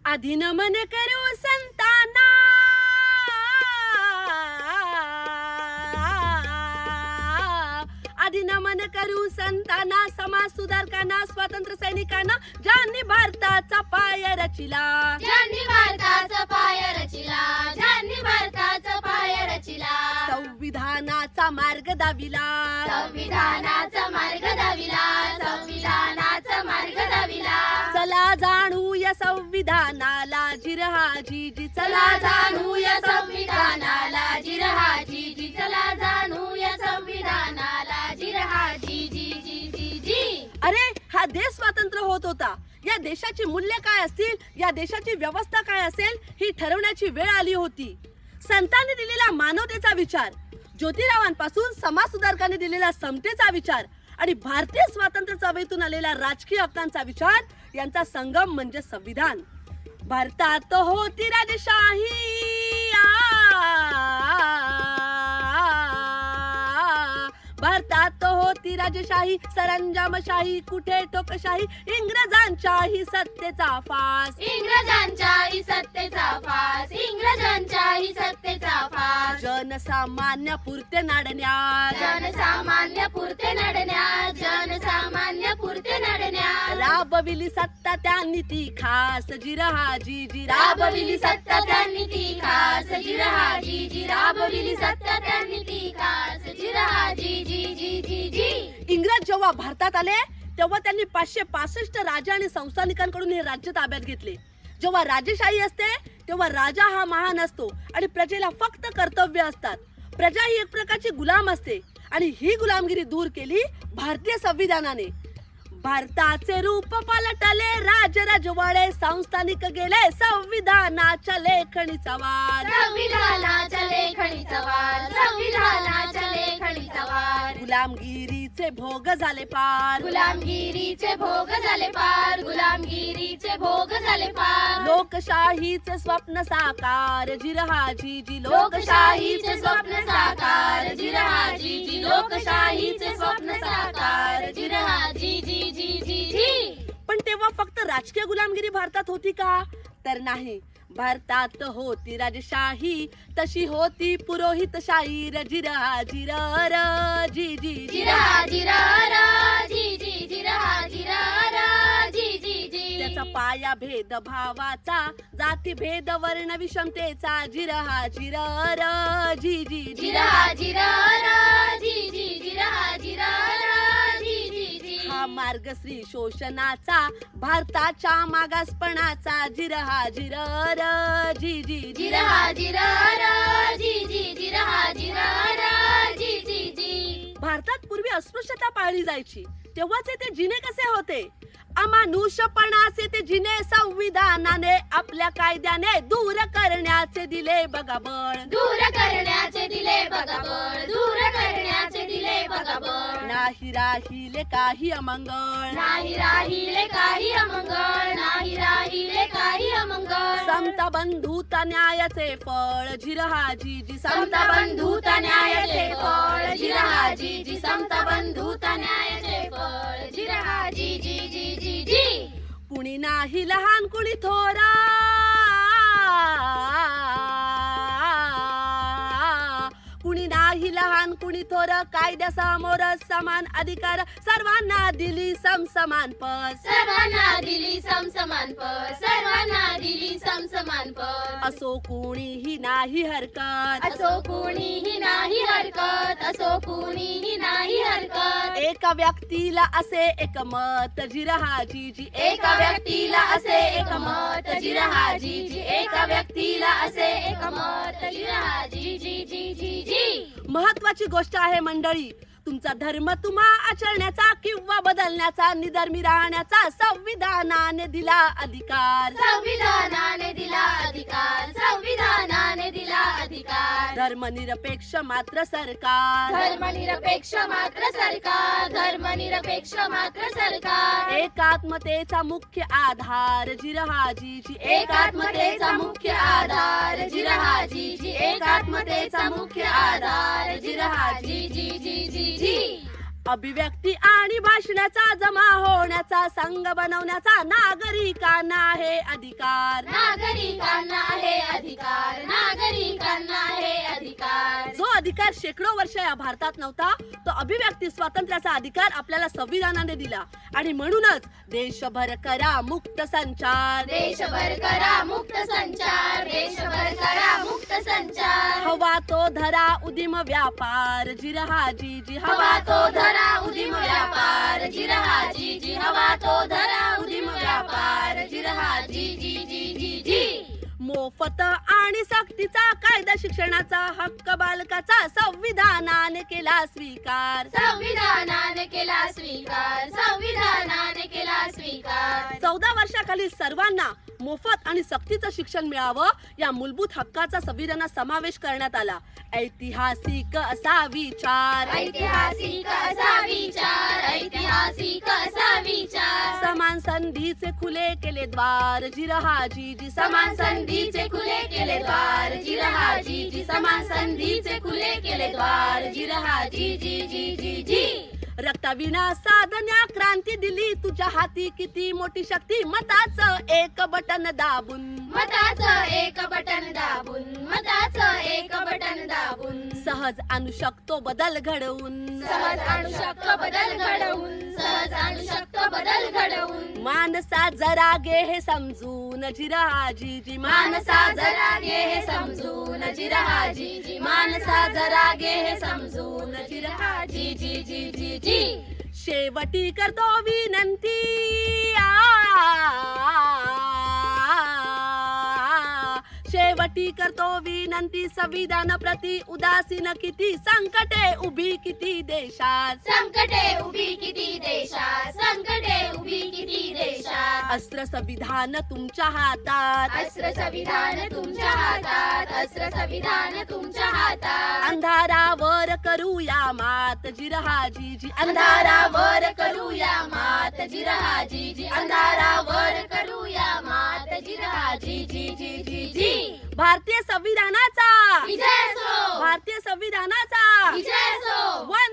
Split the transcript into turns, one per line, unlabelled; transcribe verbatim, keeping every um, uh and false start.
आधी नमन करू संतांना, आधी नमन करू संतांना, समाज सुधारकांना, स्वातंत्र्य सैनिकांना, ज्यांनी भारताचा पाय रचिला,
ज्यांनी भारताचा पाय रचिला, ज्यांनी भारताचा पाय रचिला,
संविधानाचा मार्ग दाविला,
संविधानाचा मार्ग दाविला, संविधानाचा मार्ग दाविला.
चला जाणूया संविधानाला जिरहाजी जी,
चला जाणूया संविधानाला जिरहाजी जी, चला जाणूया संविधानाला जिरहाजी जी जी जी जी.
अरे हा देश स्वतंत्र होत होता, या देशाची मूल्य काय असतील, या देशाची व्यवस्था काय असेल ही ठरवण्याची वेळ आली होती. संतांनी दिलेला मानवतेचा विचार, ज्योतिरावांपासून समाज सुधारकांनी दिलेला समतेचा विचार आणि भारतीय स्वातंत्र्य चळवळीतून आलेला राजकीय हक्कांचा विचार यांचा संगम म्हणजे संविधान. भारतात होती राजशाही, भारतात होती राजशाही, सरंजामशाही, कुठे टोकशाही, इंग्रजांच्याही सत्तेचा फास,
इंग्रजांच्याही सत्तेचा फास, इंग्रजांच्याही सत्तेचा फास.
जनसामान्य पुरते नाडण्यात,
जनसामान्य पुरते नडण्यात, जनसामान्य पुरते नडण्यात,
राबविली सत्ता त्यांनी ती खास, जिरहाजी जी
राबविली सत्ता त्यांनी ती खास, जिरहाजी जी राबविली सत्ता त्यांनी ती खास, जिरहाजी जी जी जी जी.
इंग्रज जेव्हा भारतात आले तेव्हा त्यांनी पाचशे पासष्ट राजा आणि संस्थानिकांकडून हे राज्य ताब्यात घेतले. जेव्हा राजेशाही असते तेव्हा राजा हा महान असतो आणि प्रजेला फक्त कर्तव्य असतात. प्रजा ही एक प्रकारची गुलाम असते आणि ही गुलामगिरी दूर केली भारतीय संविधानाने. भारताचे रूप पलटले, राज राजवाडे संस्थानिक गेले, संविधानाच्या लेखणीचा वार,
संविधानाच्या लेखणीचा वार, संविधानाच्या लेखणीचा वार.
गुलामगिरीचे भोग झाले पार,
गुलामगिरीचे भोग झाले पार, गुलामगिरीचे भोग झाले पार.
लोकशाहीचे स्वप्न साकार, जिरहाजी जी
लोकशाहीचे स्वप्न साकार, जिरहाजी जी लोकशाहीचे स्वप्न साकार, जिरहाजी जी जी जी जी.
पण तेव्हा फक्त राजकीय गुलामगिरी भारतात होती का? तर नाही. भारतात होती राजशाही, तशी होती पुरोहितशाही, जिरहा जिर जी जी
जिरहा जिरा रा जी जी जिरहा जिरा रा जी जी जी.
त्याचा पाया भेद भावाचा, जाती भेद वर्ण विषमतेचा, जिरहा जिर जी जी
जिरहा जिरा रा जी जी जिरहा जिरा रा जी जी जी.
हा मार्ग श्री शोषणाचा, भारताच्या मागासपणाचा, जिरहा जिर जी जी
जिरहा जिरा रा जी जी जिरहा जिरा रा जी जी जी.
भारतात पूर्वी अस्पृश्यता पाळली जायची, तेव्हाचे ते जिने कसे होते? अमानुषपणाचे ते जिने संविधानाने आपल्या कायद्याने दूर करण्याचे दिले बघा बळ,
दूर करण्याचे दिले बघा बळ, दूर करण्याचे दिले बघा बळ.
नाही राहिले काही अमंगळ,
नाही राहिले काही अमंगळ, नाही राहिले काही अमंगळ.
समता बंधुता न्यायाचे फळ, जिरहाजी जी
समता बंधुता न्यायाचे फळ, जिरहाजी जी समता बंधुता न्यायाचे फळ, जिरहाजी जी जी जी जी.
कुणी नाही लहान कुणी थोरा, कुणी नाही लहान कुणी थोर, कायद्यासमोर समान अधिकार, सर्वांना दिली समसमान पद,
सर्वांना दिली समसमान पद, सर्वांना दिली समसमान पद.
असो कुणीही नाही हरकत,
असो कुणीही नाही हरकत, असो कुणीही नाही हरकत.
एका व्यक्तीला असे एक मत, जिरहाजी जी
एका व्यक्तीला असे एक मत, जिरहाजी जी एका व्यक्तीला असे एक मत, जिरहाजी जी जी जी जी.
महत्वाची गोष्ट आहे मंडळी, तुमचा धर्म तुम्हा आचरण्याचा किंवा बदलण्याचा, निधर्मी राहण्याचा संविधानाने दिला अधिकार,
संविधानाने दिला अधिकार, संविधानाने दिला अधिकार.
धर्मनिरपेक्ष मात्र सरकार,
धर्मनिरपेक्ष मात्र सरकार, धर्मनिरपेक्ष मात्र सरकार.
एकात्मतेचा मुख्य आधार, जिरहाजी जी
एकात्मतेचा मुख्य आधार, जिरहाजी जी एकात्मतेचा मुख्य आधार, जिरहाजी जी जी जी जी.
अभिव्यक्ती आणि भाषणाचा जमा होण्याचा, संघ बनवण्याचा नागरिकांना आहे अधिकार.
नागरिकांना आहे अधिकार, नागरिकांना आहे अधिकार.
जो अधिकार शेकडो वर्ष या भारतात नव्हता, तो अभिव्यक्ती स्वातंत्र्याचा अधिकार आपल्याला संविधानाने दिला. आणि म्हणूनच देशभर करा मुक्त संचार,
देशभर करा मुक्त संचार, देशभर करा मुक्त संचार.
हवा तो धरा उदिम व्यापार, जिरहा जी जी
हवा तो धरा उदिम व्यापार, जिरहा जी जी. हवा तो धरा उदिम व्यापार, जिरहा जी जी जी जी जी.
मोफत आणि सक्तीचा कायदा, शिक्षणाचा हक्क बालकाचा संविधानाने केला स्वीकार.
संविधानाने केला स्वीकार, संविधानाने केला स्वीकार.
चौदा वर्षाखालील सर्वांना मोफत आणि सक्तीचं शिक्षण मिळावं या मूलभूत हक्काचा संविधानात समावेश करण्यात आला. ऐतिहासिक असा विचार,
ऐतिहासिक असा विचार, ऐतिहासिक असा विचार.
समान संधीचे खुले केले द्वार, जिरहा जी जी.
समान संधीचे खुले केले द्वार, जिरहा जी जी. समान संधीचे खुले केले द्वार, जिरहा जी जी जी जी जी.
रक्ताविना साधन्या क्रांती दिली तुझ्या हाती, किती मोठी शक्ती मताचं एक बटन दाबून.
मताचं एक बटन दाबून, मताचं एक बटन दाबून.
सहज आणू शकतो बदल घडवून,
सहज आणू शकतो बदल घडवून, सहज आणू शकतो बदल घडवून.
मानसा जरा गे हे समजून, जिरहा जी जी.
मानसा जरा घे हे समजून, जिरहा जी जी. मानसा जरा घे हे समजून, जिरहा जी जी जी जी जी.
शेवटी करतो विनंती, आ, शेवटी करतो विनंती, संविधान प्रति उदासीन किती, संकटे उभी किती देशात.
संकटे उभी किती देशात, संकटे उभी किती देशात.
अस्त्र संविधान तुमच्या हातात,
अस्त्र संविधान तुमच्या हातात, अस्त्र संविधान तुमच्या हातात.
अंधारावर करूया मात, जिरहा जी जी.
अंधारावर करूया मात, जिरहा जी जी. अंधारावर करूया मात, जिरहा जी जी जी जी जी.
भारतीय संविधानाचा
विजय असो,
भारतीय संविधानाचा
विजय असो.
वय